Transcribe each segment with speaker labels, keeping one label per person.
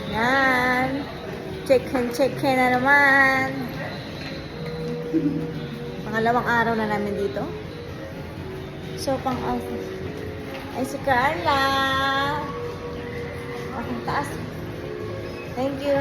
Speaker 1: Yan. Check-in na naman. Pangalawang araw na namin dito. So, ay si Carla. Akong taas. Thank you.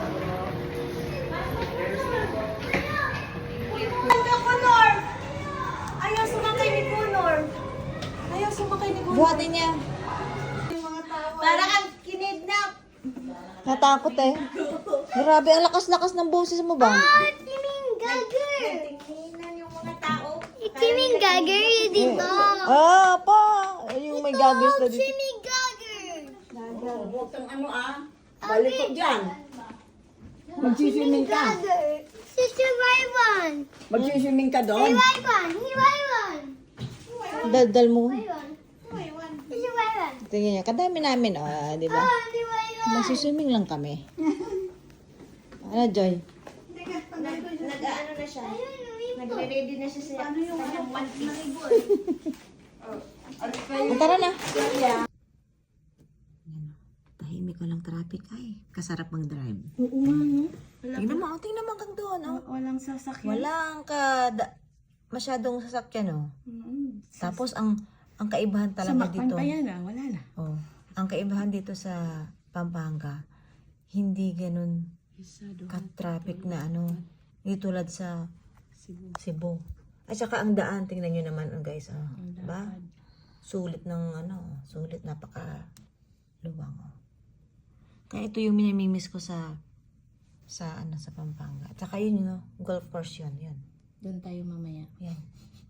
Speaker 2: Kunor! Ayaw sumakay ni Kunor. Ayaw sumakay ni Kunor.
Speaker 1: Buhatin niya.
Speaker 2: Yung mga tao. Parang ang kinidnap.
Speaker 1: Natakot eh. Grabe, ang lakas-lakas ng boses mo ba?
Speaker 2: Timing gagger. Tingnan yung mga tao.
Speaker 3: Timing gagger yun dito.
Speaker 1: Ah, pa. Yung may gaggers na dito.
Speaker 3: Timing gagger.
Speaker 2: Huwag kang balik ko dyan. Magsiswimming ka.
Speaker 3: Gagger. Sister Rayvon.
Speaker 2: Magsiswimming ka
Speaker 3: Hey
Speaker 2: doon.
Speaker 3: Rayvon. Hey Rayvon.
Speaker 1: Daldal mo.
Speaker 3: Rayvon. Sister Rayvon.
Speaker 1: Tingnan niya, kadami namin, di ba?
Speaker 3: Oh, si Rayvon.
Speaker 1: Magsiswimming lang kami. Ano, Joy?
Speaker 2: Nag-ano na siya. Nagre-ready na siya sa kanyang mantis.
Speaker 1: Tara na. Yan. Tahimik walang traffic. Ay, kasarap mag-drive.
Speaker 2: Oo nga, no?
Speaker 1: Tingnan mo hanggang doon, oh.
Speaker 2: Walang sasakyan.
Speaker 1: Walang masyadong sasakyan, oh. Tapos, ang kaibahan talaga dito.
Speaker 2: pa yan, wala na.
Speaker 1: Oh, ang kaibahan dito sa Pampanga, hindi ganun ka-traffic na hindi tulad sa Cebu. At saka ang daan, tingnan nyo naman, guys, diba? Sulit napaka luwang, oh. Kaya ito yung minamimiss ko sa Pampanga. At saka yun, golf course yun.
Speaker 2: Doon tayo mamaya.
Speaker 1: Yan.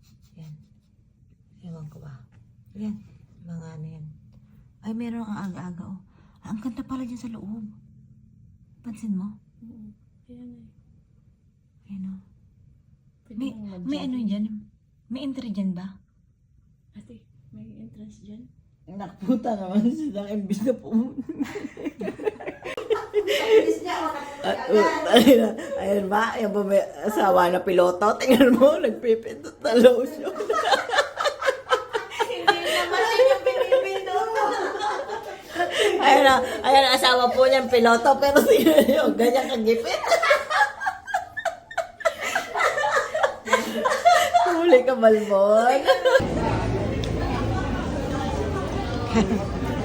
Speaker 1: Ewan ko ba. Yan. Mga yan. Ay, meron ang aga-aga, oh. Ang ganda pala dyan sa loob. Pansin mo?
Speaker 2: Oo. Ayan
Speaker 1: Ayan, oh. May ano dyan? May entry dyan ba?
Speaker 2: Ate, may entrance dyan?
Speaker 4: Nakputa naman silang imbis na pumunta. Ayun ba? Yung ba may asawa na piloto? Tingnan mo, nagpipindot na lotion. Ayun ang asawa po niyang piloto, pero tingnan niyo, ganyan kagipit. Huli ka, Balbon.